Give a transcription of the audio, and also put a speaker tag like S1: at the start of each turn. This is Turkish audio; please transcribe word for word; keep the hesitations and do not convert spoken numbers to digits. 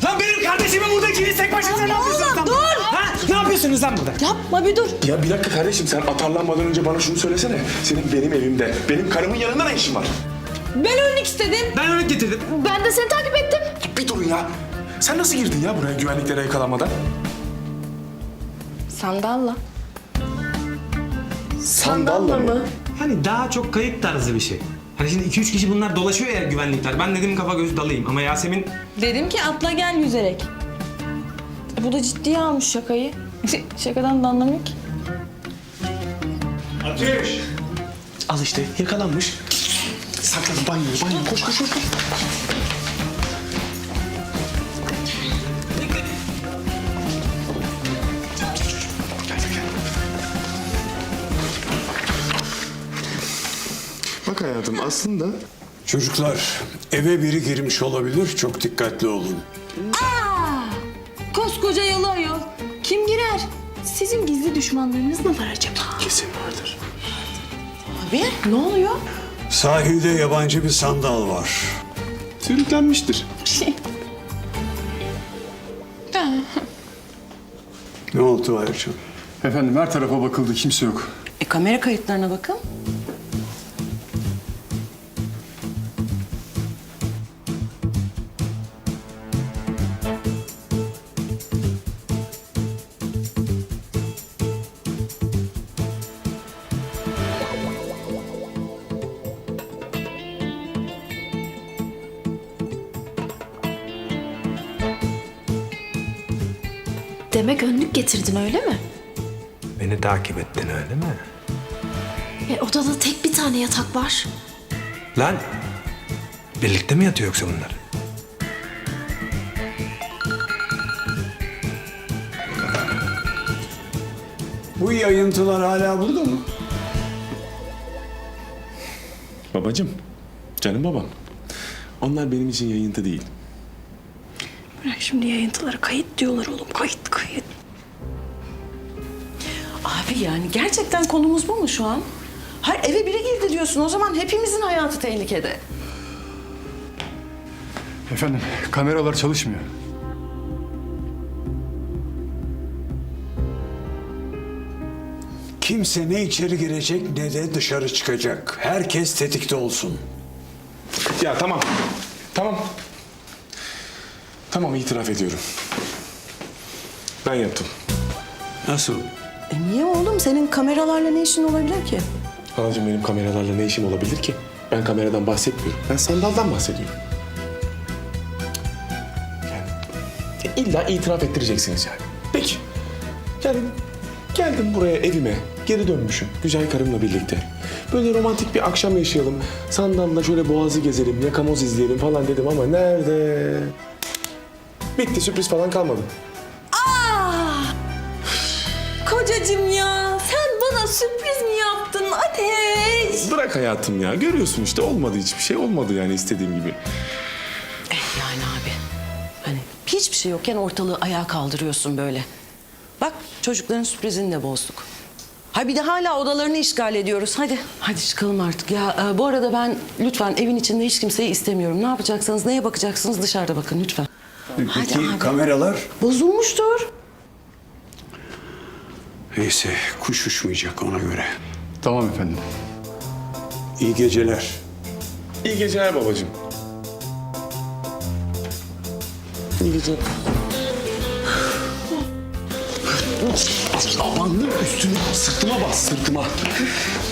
S1: Lan benim kardeşimi burada ikiniz tek başınıza ne yapıyorsunuz lan?
S2: Dur!
S1: Ha? Ne yapıyorsunuz lan burada?
S2: Yapma bir dur.
S3: Ya bir dakika kardeşim, sen atarlanmadan önce bana şunu söylesene. Senin benim evimde, benim karımın yanında ne işin var?
S2: Ben önlük istedim.
S1: Ben örnek getirdim.
S2: Ben de seni takip ettim.
S3: Bir durun ya. Sen nasıl girdin ya buraya güvenliklere yakalanmadan?
S2: Sandalla.
S3: Sandalla mı?
S1: Hani daha çok kayıp tarzı bir şey. Hani şimdi iki üç kişi bunlar dolaşıyor ya güvenlikler. Ben dedim kafa göz dalayım ama Yasemin...
S2: Dedim ki atla gel yüzerek. Bu da ciddiye almış şakayı. Şakadan da anlamıyor ki.
S1: Ateş!
S3: Al işte, yakalanmış. Saklan banyoya, banyoya. Koş, koş, koş. koş. Bak hayatım, aslında...
S4: Çocuklar, eve biri girmiş olabilir. Çok dikkatli olun.
S2: Koskoca yalı ayol. Kim girer? Sizin gizli düşmanlarınız mı var acaba?
S3: Kesin vardır.
S2: Abi ne oluyor?
S4: Sahilde yabancı bir sandal var.
S3: Sürüklenmiştir.
S4: Ne oldu Ayşe?
S5: Efendim her tarafa bakıldı, kimse yok.
S6: E, kamera kayıtlarına bakın.
S7: Demek önlük getirdin öyle mi?
S1: Beni takip ettin öyle mi?
S7: E, odada tek bir tane yatak var.
S1: Lan! Birlikte mi yatıyor yoksa bunlar?
S4: Bu yayıntılar hala burada mı?
S3: Babacığım, canım babam. Onlar benim için yayıntı değil.
S7: Bırak şimdi yayıntıları, kayıt diyorlar oğlum, kayıt kayıt.
S6: Abi yani gerçekten konumuz bu mu şu an? Hayır, eve biri girdi diyorsun. O zaman hepimizin hayatı tehlikede.
S5: Efendim kameralar çalışmıyor.
S4: Kimse ne içeri girecek ne de dışarı çıkacak. Herkes tetikte olsun.
S3: Ya tamam, tamam. Tamam, itiraf ediyorum. Ben yaptım.
S4: Nasıl?
S6: E niye oğlum? Senin kameralarla ne işin olabilir ki?
S3: Anacığım, benim kameralarla ne işim olabilir ki? Ben kameradan bahsetmiyorum. Ben sandaldan bahsediyorum. Yani illa itiraf ettireceksiniz yani. Peki. Yani geldim buraya evime, geri dönmüşüm. Güzel karımla birlikte. Böyle romantik bir akşam yaşayalım. Sandalla şöyle boğazı gezelim, yakamoz izleyelim falan dedim ama nerede? Bitti, sürpriz falan kalmadı.
S2: Kocacığım ya sen bana sürpriz mi yaptın Ateş?
S3: Bırak hayatım ya. Görüyorsun işte, olmadı hiçbir şey. Olmadı yani istediğim gibi.
S6: Eh yani abi. Hani hiçbir şey yokken ortalığı ayağa kaldırıyorsun böyle. Bak çocukların sürprizini de bozduk. Ha bir de hala odalarını işgal ediyoruz. Hadi, hadi çıkalım artık. Ya e, bu arada ben lütfen evin içinde hiç kimseyi istemiyorum. Ne yapacaksanız, neye bakacaksınız dışarıda bakın lütfen.
S4: Peki
S6: abi.
S4: kameralar?
S6: Bozulmuştur.
S4: Neyse, kuş uçmayacak ona göre.
S5: Tamam efendim.
S4: İyi geceler.
S3: İyi geceler babacığım. İyi geceler. Aman üstüne, sırtıma bas, sırtıma.